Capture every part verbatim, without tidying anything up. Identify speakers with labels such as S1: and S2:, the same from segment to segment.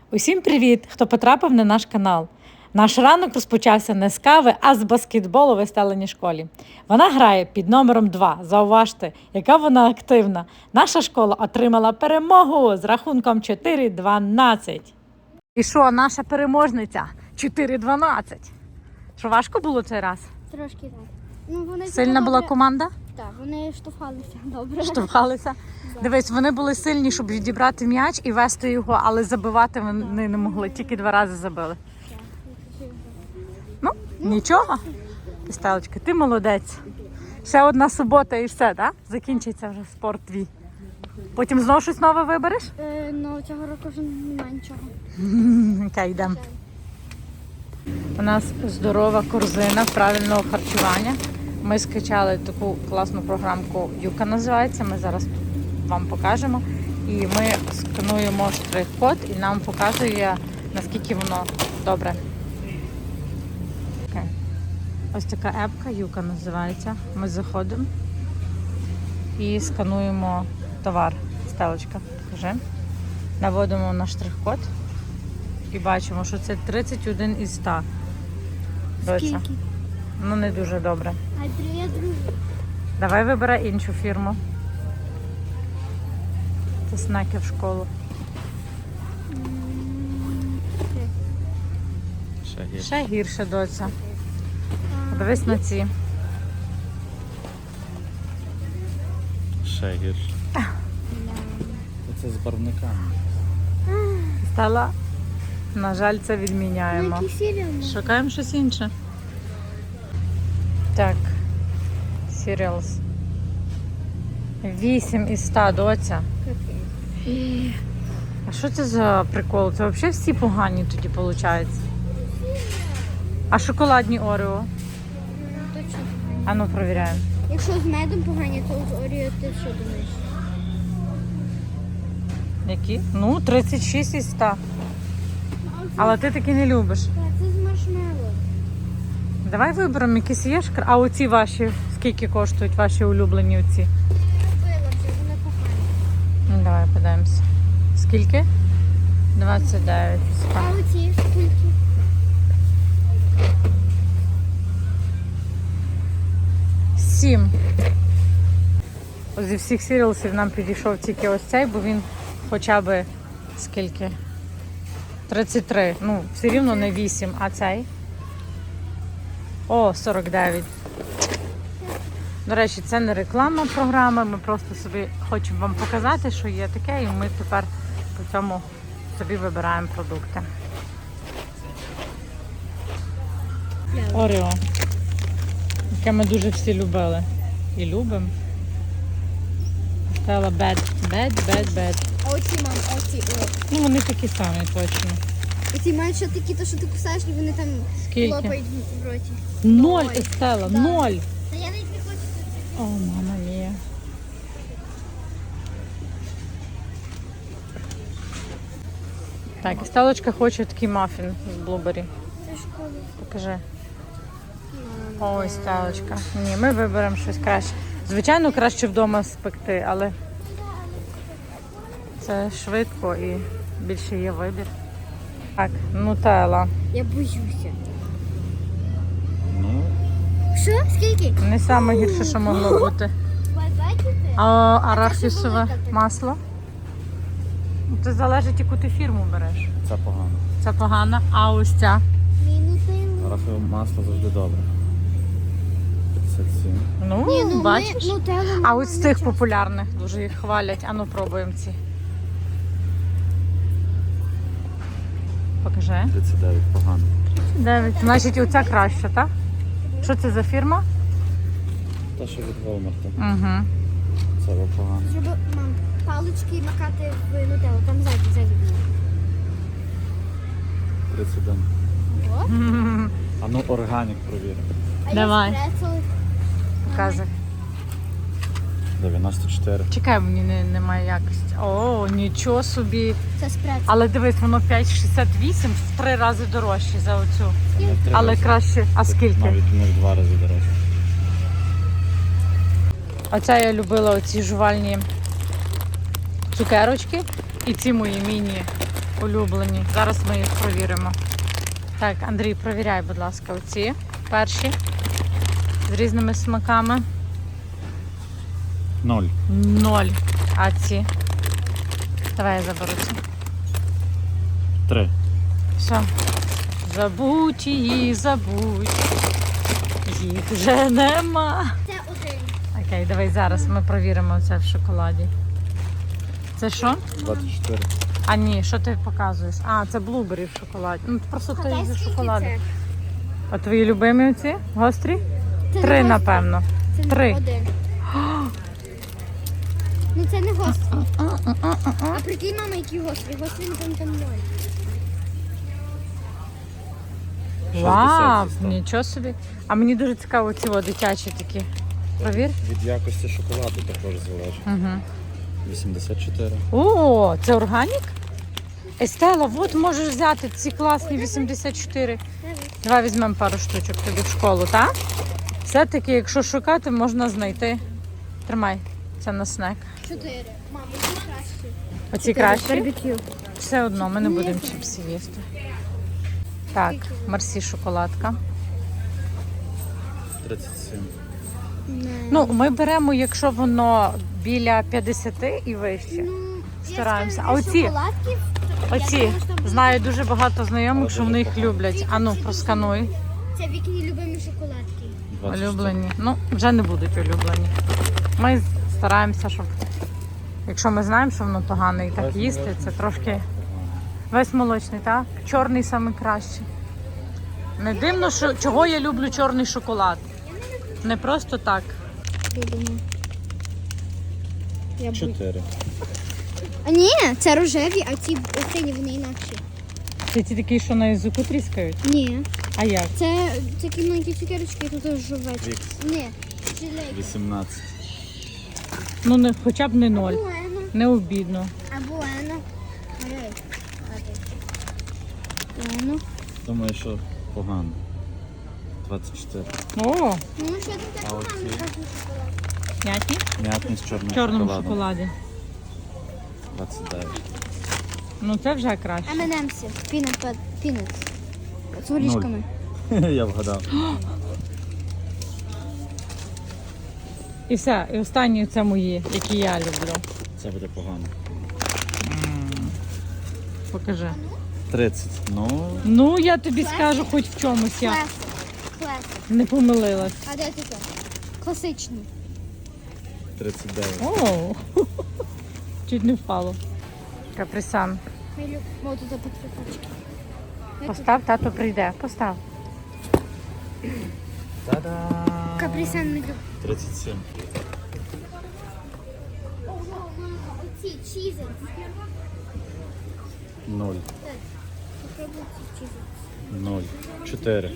S1: Усім привіт, хто потрапив на наш канал. Наш ранок розпочався не з кави, а з баскетболу в Естеленій школі. Вона грає під номером два. Зауважте, яка вона активна. Наша школа отримала перемогу з рахунком чотири дванадцять. І що, наша переможниця? чотири дванадцять. Що, важко було цей раз?
S2: Трошки так. Ну, вони
S1: Сильна була
S2: добре...
S1: команда?
S2: Так, вони штовхалися добре.
S1: Штовхалися?
S2: Да.
S1: Дивись, вони були сильні, щоб відібрати м'яч і вести його, але забивати вони не могли, тільки два рази забили. Ну, нічого. Стелечка, ти молодець. Ще одна субота і все, так? Закінчиться вже спорт твій. Потім знову щось нове вибереш?
S2: Е, ну, цього року вже немає нічого.
S1: Окей, йдемо. У нас здорова корзина правильного харчування. Ми скачали таку класну програмку Юка називається. Ми зараз вам покажемо. І ми скануємо штрих-код і нам показує, наскільки воно добре. Okay. Ось така епка Юка називається. Ми заходимо і скануємо товар. Стелочка, покажи. Наводимо на штрих-код і бачимо, що це тридцять один із ста. Доця. Ну, не дуже добре.
S2: Ай, привіт, друзі.
S1: Давай вибирай іншу фірму. Це снеки в школу.
S3: Ще гірше.
S1: Ще гірше, доця. Подивись на ці.
S3: Ще гірше. Це з барвниками.
S1: Стала. На жаль, це відміняємо.
S2: Які серіали?
S1: Шукаємо щось інше. Так. Cereals. вісім із ста, доця. А що це за прикол? Це взагалі всі погані тоді виходить. А шоколадні Орео?
S2: Точно.
S1: А ну, провіряємо.
S2: Якщо з медом погані, то з Оріо ти що думаєш?
S1: Які? Ну, тридцять шість із ста. Але ти таки не любиш.
S2: Так, це з маршмеллоу.
S1: Давай виберемо якісь є ж. А оці ваші, скільки коштують ваші улюблені оці?
S2: Я купила вже, вони погані.
S1: Ну, давай подивимося. Скільки? двадцять дев'ять.
S2: А оці скільки?
S1: сім. Зі всіх сіріалсів нам підійшов тільки ось цей, бо він хоча б скільки? тридцять три. Ну, все рівно не вісім, а цей? О, сорок дев'ять. До речі, це не реклама програми, ми просто собі хочемо вам показати, що є таке, і ми тепер по цьому собі вибираємо продукти. Орео, яке ми дуже всі любили і любимо. Стала бед, бед, бед, бед.
S2: А оці, мам, а оці, о.
S1: Ну, вони такі самі, точно.
S2: Оці мають ще такі, то що ти кусаєш, і вони там
S1: Скільки?
S2: лопають в роті.
S1: Ноль,
S2: Ой,
S1: Естела,
S2: да.
S1: ноль.
S2: Та я навіть не хочу це.
S1: О, мама мія. Так, і Стелочка хоче такий мафін з блубері.
S2: Це школа.
S1: Покажи. Ой, Стелочка. Ні, ми виберемо щось краще. Звичайно, краще вдома спекти, але це швидко і більше є вибір. Так, нутелла.
S2: Я боюся.
S3: Ну,
S2: Що? Скільки?
S1: Не саме гірше, що могло бути.
S2: Бачите?
S1: А арахісове масло? Це залежить, яку ти фірму береш.
S3: це погано.
S1: Це погано, а ось ця.
S2: Мінутин.
S3: Рафове масло завжди добре. п'ятдесят сім.
S1: Ну,
S2: Ні, ну
S1: бачиш?
S2: ми нутеллу
S1: А
S2: ми
S1: ось з
S2: не
S1: тих
S2: часто.
S1: популярних дуже їх хвалять. А ну пробуємо ці. Покажи.
S3: тридцять дев'ять погано.
S1: Дев'ять. Значить, оця краща, так? Що це за фірма?
S3: Та, що від Walmart.
S1: Угу.
S3: Це було погано.
S2: Щоб, мам, палички макати в нутеллу. Там ззаді, ззаді було.
S3: тридцять один.
S2: О.
S3: А ну, органік провіримо.
S2: А
S1: Давай.
S2: я спрецели.
S1: Показуй.
S3: дев'яносто чотири.
S1: Чекай, мені не, немає якості. О, нічого собі.
S2: Це спрецели.
S1: Але дивись, воно п'ять шістдесят вісім, в три рази дорожче за оцю.
S3: Це не в три
S1: Але
S3: рази.
S1: краще. А
S3: Це
S1: скільки?
S3: Навіть не в два рази дорожче.
S1: Оця я любила оці жувальні цукерочки. І ці мої міні улюблені. Зараз ми їх провіримо. Так, Андрій, провіряй, будь ласка, оці перші з різними смаками.
S3: Ноль.
S1: Ноль. А ці? Давай я заберу ці.
S3: Три.
S1: Все. Забудь її, забудь. Їх вже нема.
S2: Це один.
S1: Окей, давай зараз ми провіримо це в шоколаді. Це що?
S3: двадцять чотири.
S1: А ні, що ти показуєш? А, це блубері в шоколаді. Ну, просто той
S2: Гадай,
S1: зі
S2: скільки
S1: шоколаду.
S2: це?
S1: А твої любимі оці? Гострі?
S2: Це
S1: Три,
S2: не
S1: напевно.
S2: гострий. Це
S1: Три.
S2: не один. Ну це не гострий. А прикинь, мама, які гострі. Гострі, напевно, там ноль.
S1: Вау,
S3: шістдесят став.
S1: нічого собі. А мені дуже цікаво ці о, дитячі такі. Провір.
S3: Від якості шоколаду також залежить.
S1: Угу.
S3: вісімдесят чотири.
S1: О, це органік? Естела, от можеш взяти ці класні вісімдесят чотири. Давай візьмемо пару штучок тобі в школу, так? Все-таки, якщо шукати, можна знайти. Тримай, це на снек.
S2: Чотири. Мама, які кращі.
S1: Оці кращі?
S2: Барбекю.
S1: Все одно, ми не
S2: Ні,
S1: будемо
S2: це-
S1: чіпсів їсти. Так, Марсі шоколадка.
S3: тридцять сім.
S1: Ну, ми беремо, якщо воно біля п'ятдесят і вище.
S2: Ну,
S1: Стараємося.
S2: я
S1: А
S2: скажу,
S1: оці?
S2: шоколадки,
S1: Оці,
S2: я думала, що
S1: знаю дуже багато знайомих,
S3: Але
S1: що вони їх
S3: дуже
S1: люблять. А ну, проскануй.
S2: Це вікні любимі шоколадки.
S1: Улюблені. Ну, вже не будуть улюблені. Ми стараємося, щоб, якщо ми знаємо, що воно погане і так
S3: Весь
S1: їсти,
S3: молочний.
S1: це трошки весь молочний, так? Чорний саме кращий. Не дивно, що чого я люблю чорний шоколад. Не просто так.
S2: Любимо. Я бу-
S3: чотири.
S2: А ні, це рожеві, а ці останні вони інакші.
S1: Це ті такі, що на язику тріскають.
S2: Ні.
S1: А як?
S2: Це такі маленькі цукерочки, тут жовтий.
S3: Вікс.
S2: Ні. Жилейки.
S3: вісімнадцять.
S1: Ну, не, хоча б не ноль.
S2: Буено.
S1: Не обідно.
S2: А буено. Ой, Буено.
S3: Думаю, що погано. двадцять чотири.
S1: О,
S2: Ну, що там
S3: А
S2: таке
S3: оці?
S2: мамі кажуть шоколад?
S1: м'які?
S3: М'ятний з чорним
S1: В чорному
S3: шоколадом.
S1: шоколаді.
S3: двадцять дев'ять.
S1: Ну, це вже краще.
S2: ем енд емси. Пінат, пінат. З горішками.
S3: Я вгадав.
S1: І все. І останні це мої, які я люблю.
S3: Це буде погано.
S1: Покажи.
S3: тридцять. Ну,
S1: Ну, я тобі скажу хоч в чомусь. Я
S2: Класик. Класик.
S1: не помилилась.
S2: А де таке? Класичний.
S3: тридцять дев'ять.
S1: О, чуть не впало. Каприсан.
S2: Ми любимо. О, тут потріпочки.
S1: Постав, тато прийде. Постав.
S3: Та-дам!
S2: Каприсан ми любимо.
S3: тридцять сім.
S2: Оці чізи.
S3: Ноль.
S2: Попробуй ці чізи.
S3: Ноль. чотири.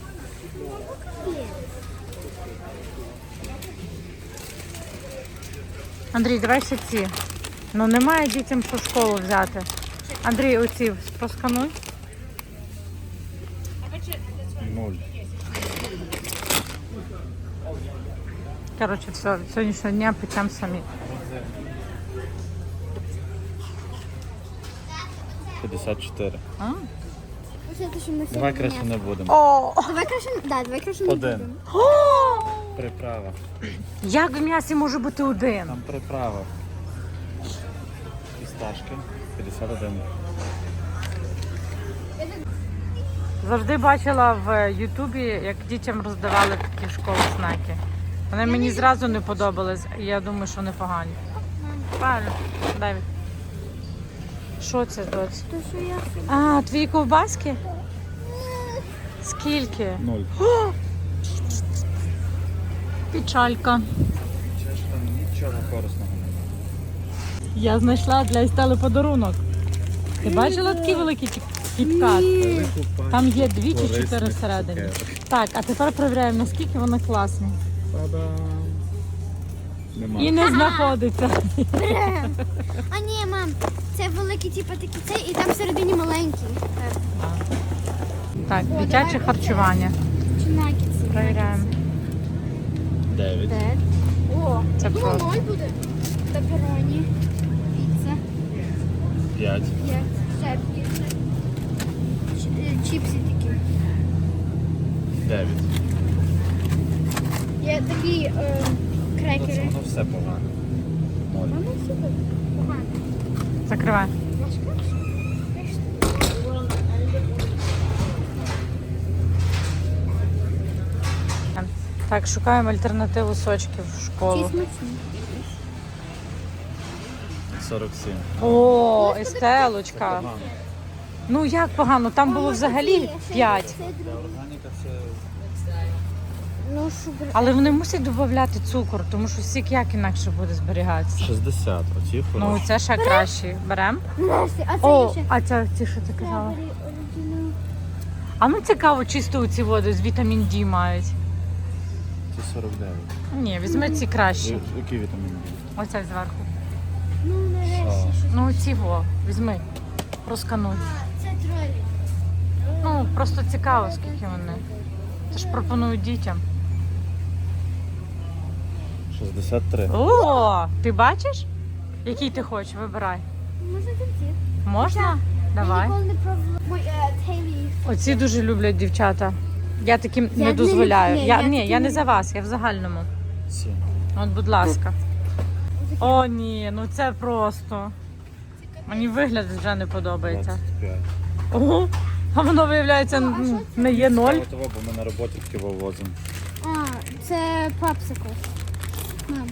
S1: Андрій, давай ще ці. Ну, немає дітям що в школу взяти. Андрій, оці проскануй.
S3: Ноль.
S1: Коротше, все, від сьогоднішнього дня печемо самі.
S3: п'ятдесят чотири.
S1: А?
S2: Оце те, що ми
S3: Давай
S2: сьогодні
S3: краще
S2: м'ясо.
S3: не будемо.
S1: О!
S2: Давай краще, да, давай краще не
S3: Один.
S2: будемо.
S3: Приправа.
S1: Як в м'ясі може бути один?
S3: Там приправа. Фісташки. п'ятдесят один.
S1: Завжди бачила в Ютубі, як дітям роздавали такі в школу знаки. Вони мені зразу не подобались, і я думаю, що вони погані. Правильно, Давід. Що це, доць?
S2: То, що я
S1: А, твої ковбаски? Скільки?
S3: Ноль.
S1: Печалька.
S3: Чи ж там нічого корисного немає.
S1: Я знайшла для Естели подарунок. Ти бачила такий великий кіт- кіткат? Там є дві чи чотири
S3: Корисних
S1: всередині.
S3: цукерок.
S1: Так, а тепер перевіряємо, наскільки вони класні.
S3: Та-дам! Нема.
S1: І не знаходиться.
S2: А ні, мам, це великий, типу такі цей, і там всередині маленький. Так.
S1: Так,
S2: О,
S1: дитяче
S2: давай
S1: харчування.
S2: Чи наггетси?
S1: Перевіряємо.
S3: Дев'ять.
S2: Де? О,
S1: Це
S2: я думала,
S1: просто.
S2: ноль буде. Пеппероні, піца,
S3: П'ять.
S2: є. ще Ч- е, чіпси такі.
S3: Дев'ять.
S2: Є такі е,
S3: Це
S2: крекери.
S3: воно все погано. Ноль.
S2: Воно супер. Погано.
S1: Закривай.
S2: Важка?
S1: Так, шукаємо альтернативу сочків в
S2: Ті
S1: школу.
S2: смачні.
S3: сорок сім.
S1: О, Естелочка.
S3: Погано.
S1: Ну як погано? Там було взагалі п'ять.
S2: Це
S3: Для
S2: друге.
S3: органіка це
S2: Ну, шубер.
S1: Але вони мусять додати цукор, тому що сік як інакше буде зберігатися.
S3: шістдесят. Оці
S1: Ну
S3: хороші.
S1: це ще краще. Беремо.
S2: Нарешті, а це
S1: О,
S2: є ще.
S1: а це ці що ти казала?
S2: Strawberry original.
S1: А ну цікаво, чисто у ці води з вітамін Д мають.
S3: Ці сорок дев'ять.
S1: Ні, візьми ці кращі.
S3: Я- Який вітамін?
S1: Оце зверху.
S2: Ну, нарешті щось.
S1: Ну ці во, візьми. Проскануй.
S2: А, це тролі.
S1: Ну, просто цікаво, скільки вони. Це ж пропонують дітям.
S3: шістдесят три.
S1: О, ти бачиш? Який ти хочеш, вибирай.
S2: Можна там ці?
S1: Можна?
S2: Я
S1: Давай.
S2: ніколи не пробувала. Мой е, Тейлі.
S1: Оці дуже люблять дівчата. Я таким
S2: Я
S1: не
S2: б
S1: дозволяю.
S2: не- ні,
S1: Я,
S2: я
S1: ні,
S2: таким
S1: я не
S2: не-
S1: за вас, я в загальному.
S3: сім.
S1: От, будь ласка. О, ні, ну це просто. Мені вигляд вже не подобається.
S3: двадцять п'ять.
S1: Ого, а воно виявляється
S2: О, а
S1: м,
S2: що це?
S1: не є ноль.
S3: Того, бо ми на роботі таки вивозимо.
S2: А, це попсикл. Мам.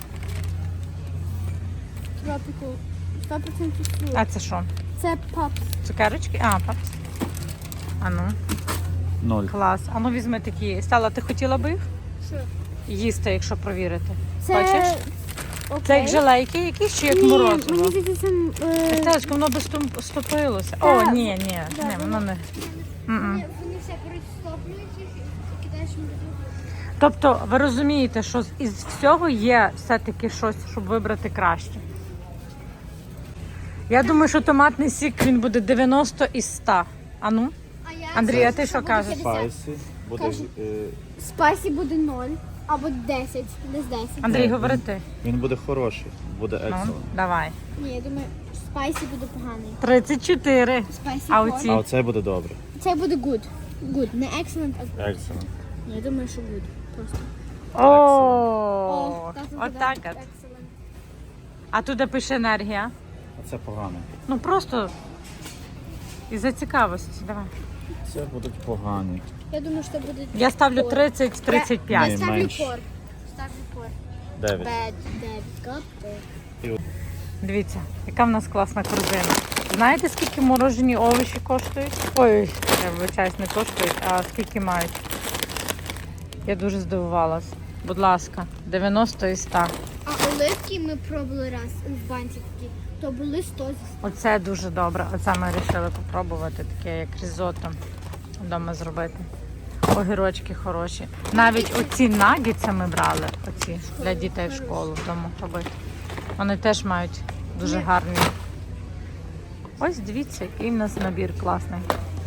S2: Тропіку. сто відсотків фрукт.
S1: А це що?
S2: Це попс.
S1: Цукерочки? А, папс. А ну,
S3: Ноль.
S1: клас. А ну візьми такі. Стала, ти хотіла би їх
S2: Що?
S1: їсти, якщо провірити?
S2: Це...
S1: Бачиш?
S2: Окей.
S1: Це як желейки якісь чи як
S2: Ні,
S1: морозиво?
S2: мені здається, це... е,
S1: Стелечко, воно би стум- стопилося. О,
S2: Так.
S1: ні, ні,
S2: Да,
S1: ні, воно не. М-м.
S2: Вони вони все розтоплюють їх і кидаєш в морозилку.
S1: Тобто ви розумієте, що з- із всього є все-таки щось, щоб вибрати краще. Я думаю, що томатний сік він буде дев'яносто із ста. А ну?
S2: А я...
S1: Андрій, а ти
S2: Це
S1: що
S2: буде
S1: кажеш?
S2: п'ятдесят.
S3: Спайсі буде.
S2: Кажу.
S3: е,
S2: Спайсі буде ноль або десять, десь десять.
S1: Андрій,
S3: Ні,
S1: говори
S3: він-
S1: ти.
S3: Він буде хороший, буде
S1: Ну,
S3: excellent.
S1: давай.
S2: Ні, я думаю, спайсі буде поганий.
S1: тридцять чотири.
S2: Спайсі
S1: А
S2: корн.
S1: оці?
S3: А оцей буде добре.
S2: Це буде good. Good. Не excellent, а good.
S3: Excellent.
S2: Ні, я думаю, що good. Просто.
S1: О,
S2: так,
S1: отак от.
S2: Excellent.
S1: А туди пише енергія.
S3: А це погано.
S1: Ну просто із-за цікавості. Давай.
S3: Це будуть погані.
S2: Я думаю, що буде...
S1: Я ставлю
S2: Кор.
S1: тридцять тридцять
S2: Я
S1: п'ять.
S2: ставлю
S3: менше.
S2: кор. Ставлю кор.
S3: Дев'ять.
S2: Bad, bad, good.
S1: Дивіться, яка в нас класна корзина. Знаєте, скільки морожені овочі коштують? Ой, я вибачаюсь, не коштують, а скільки мають. Я дуже здивувалась. Будь ласка, дев'яносто і сто.
S2: А оливки ми пробували раз в банці такі, то були сто зі ста.
S1: Оце дуже добре. Оце ми вирішили попробувати, таке як різотто вдома зробити. Огірочки хороші. Навіть оці наггетси ми брали, оці для дітей в школу вдома робити. Вони теж мають дуже гарні. Ось дивіться, який в нас набір класний.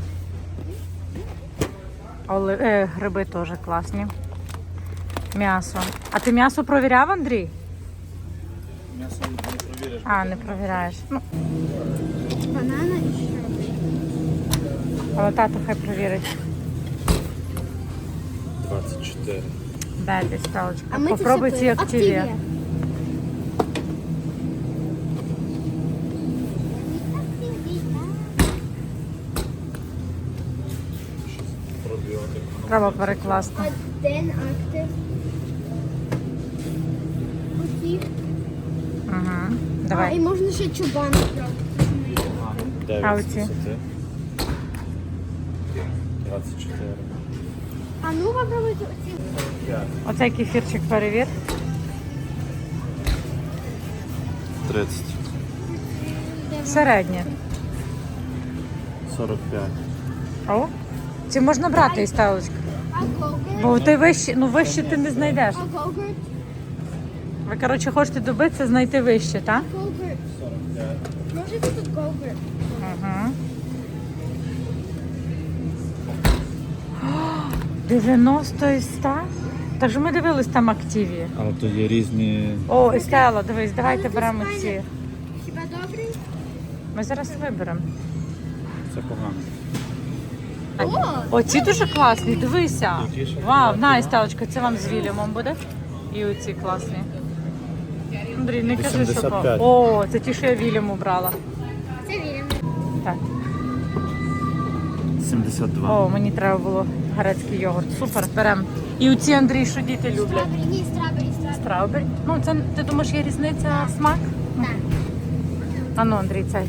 S1: Оли... Е, гриби теж класні. М'ясо. А ти м'ясо провіряв, Андрій?
S3: М'ясо не провіриш.
S1: А, не провіряєш. Ну,
S2: Банана і стrawberry.
S1: але тато хай провірить.
S3: двадцять чотири.
S1: Дай десь сталочка.
S2: А ми це
S1: Попробуй
S2: все
S1: ці
S2: пили.
S1: активі.
S2: Активія.
S3: Пробіотик.
S1: Треба перекласти.
S2: Один актив. Оці.
S1: Угу.
S2: А, і
S1: Давай.
S2: можна ще чубан спробувати.
S1: А
S3: дев'ять з
S1: оці?
S3: десяти. двадцять чотири.
S2: А ну попробуйте оці.
S3: п'ять.
S1: Оцей кефірчик перевір.
S3: тридцять.
S1: Середнє.
S3: сорок п'ять.
S1: О, ці можна брати із сталочки.
S2: А гогурт?
S1: Бо ти вище, ну вище ти не знайдеш.
S2: А гогурт?
S1: Ви, коротше, хочете добитися, знайти вище, так?
S2: Гогурт.
S3: сорок п'ять.
S2: Можете тут гогурт?
S1: Угу. дев'яносто із ста? Так же ми дивились там активі.
S3: Але тут є різні.
S1: О, і Стелла, дивись, давайте
S2: Але це
S1: беремо
S2: файне.
S1: ці.
S2: Хіба добрий?
S1: Ми зараз виберемо.
S3: Це погано.
S2: О,
S1: Оці дуже класні, дивися.
S3: Які ще
S1: Вау,
S3: класні,
S1: на,
S3: да?
S1: Стелочка, це вам з Вільямом буде. І оці класні. Андрій, не кажи, що...
S3: вісімдесят п'ять.
S1: О, це ті, що я Вільяму брала.
S2: це вірно.
S1: Так.
S3: сімдесят два.
S1: О, мені треба було грецький йогурт. Супер, беремо. І оці, Андрій, що діти люблять.
S2: Страбері, ні, страбері, страбері.
S1: Страубері. Ну, це, ти думаєш, є різниця смак?
S2: Так.
S1: А ну, Андрій, цей.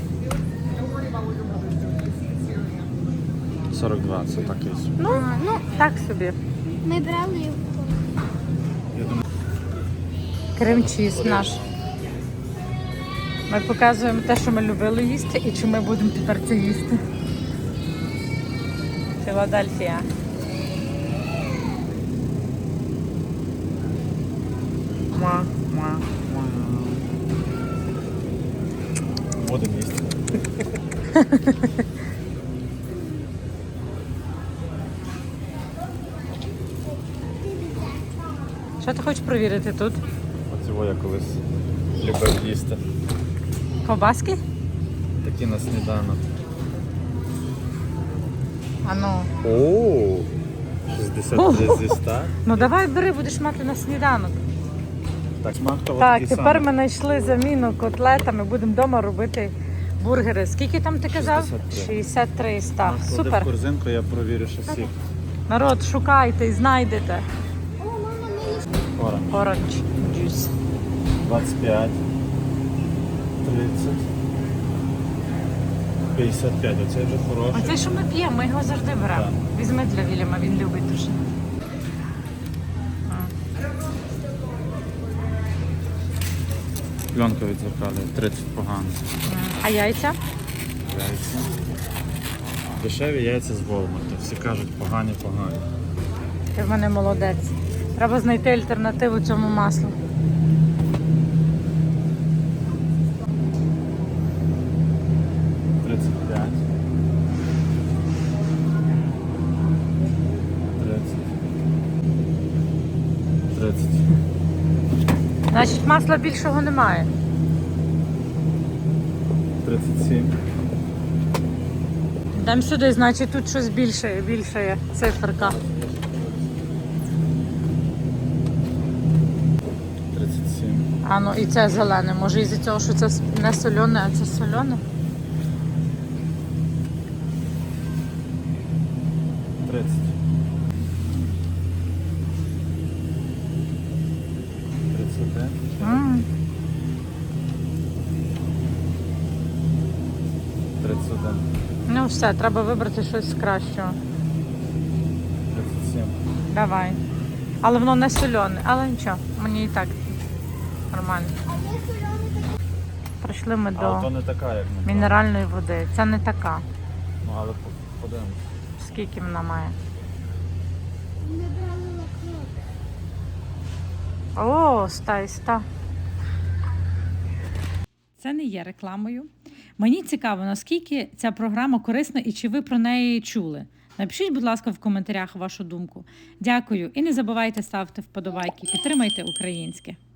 S3: сорок два, це так є.
S1: Ну, ну, так собі.
S2: Ми брали його.
S1: Крем-чіз наш. Ми показуємо те, що ми любили їсти, і чи ми будемо тепер це їсти. Філадельфія. Муа, муа.
S3: Будемо їсти.
S1: Що ти хочеш провірити тут?
S3: Оцього я колись любив їсти.
S1: Ковбаски?
S3: Такі на сніданок.
S1: А ну.
S3: О, шістдесят три зі ста.
S1: Ну давай бери, будеш мати на сніданок.
S3: Так, смак того
S1: Так,
S3: такий
S1: тепер
S3: самий.
S1: ми знайшли заміну котлетами, будемо вдома робити бургери. Скільки там ти казав?
S3: шістдесят три.
S1: шістдесят три ста.
S3: Клади в
S1: Супер.
S3: корзинку, я провірю, що сік.
S1: Народ, шукайте і знайдете.
S2: О, мама, ми їх.
S3: Оранж.
S1: Orange juice.
S3: двадцять п'ять. тридцять. п'ятдесят п'ять. Оцей вже хороший.
S1: Оце, що ми п'ємо, ми його завжди беремо.
S3: Так.
S1: Візьми для Вільяма, він любить дуже.
S3: Пленка відзеркалює. тридцять погано.
S1: А яйця?
S3: Яйця. Дешеві яйця з Волмарту. Всі кажуть погані, погані.
S1: Ти в мене молодець. Треба знайти альтернативу цьому маслу.
S3: тридцять п'ять. тридцять. тридцять.
S1: Значить, масла більшого немає.
S3: тридцять сім.
S1: Йдемо сюди, значить тут щось більше, більше є циферка.
S3: тридцять сім.
S1: А ну і це зелене. Може із-за цього, що це не солене, а це солене?
S3: тридцять. тридцять один.
S1: М.
S3: тридцять один.
S1: Ну все, треба вибрати щось з кращого.
S3: тридцять сім.
S1: Давай. Але воно не солене, але нічого, мені і так нормально.
S2: А є соляний такий.
S1: Прийшли ми
S3: Але то
S1: до
S3: не така, як ми.
S1: мінеральної води. Це не така.
S3: Ну, але по- подивимось.
S1: Скільки вона має?
S2: Ми брали лакрот.
S1: О, ста і ста. Це не є рекламою. Мені цікаво, наскільки ця програма корисна і чи ви про неї чули. Напишіть, будь ласка, в коментарях вашу думку. Дякую і не забувайте ставити вподобайки. Підтримайте українське.